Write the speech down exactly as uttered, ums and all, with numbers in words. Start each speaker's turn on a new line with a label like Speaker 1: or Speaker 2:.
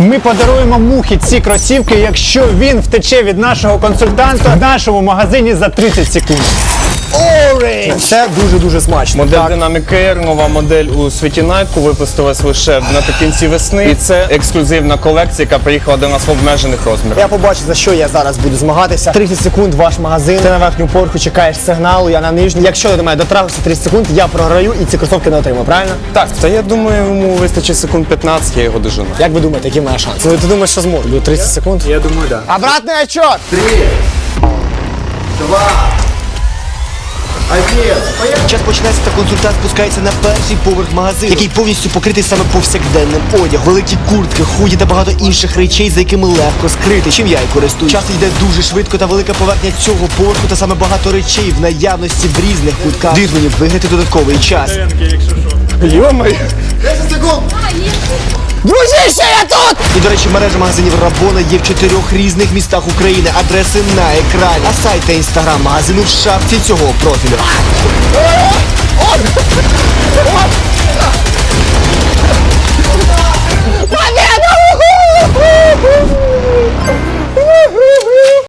Speaker 1: Ми подаруємо Мухі ці кросівки, якщо він втече від нашого консультанта в нашому магазині за тридцять секунд.
Speaker 2: Orange! Це дуже-дуже смачно.
Speaker 3: Модель Dynamic Air, нова модель у світі Nike, випустилась лише наприкінці весни. І це ексклюзивна колекція, яка приїхала до нас в обмежених розмірах.
Speaker 2: Я побачу, за що я зараз буду змагатися. тридцять секунд ваш магазин. Ти на верхню поверху чекаєш сигналу, я на нижню. Якщо я до мене дотрагився тридцять секунд, я програю і ці кросовки не отримаю, правильно?
Speaker 3: Так, та я думаю, йому вистачить секунд п'ятнадцять, я його дожену.
Speaker 2: Як ви думаєте, які в мене шанси? Ну, ти думаєш, що зможу? До тридцять секунд?
Speaker 1: Я думаю, так. Да.
Speaker 2: Обратний отчет! Час починається, та консультант спускається на перший поверх магазину, який повністю покритий саме повсякденним одягом. Великі куртки, худі та багато інших речей, за якими легко скрити, чим я і користуюсь. Час йде дуже швидко, та велика поверхня цього поверху та саме багато речей в наявності в різних кутках. Дають мені виграти додатковий час.
Speaker 3: Йо-моє!
Speaker 2: десять секунд! Дружище, я тут! І, до речі, мережа магазинів Рабона є в чотирьох різних містах України. Адреси на екрані. А сайт та інстаграм магазину в шапці цього профілю.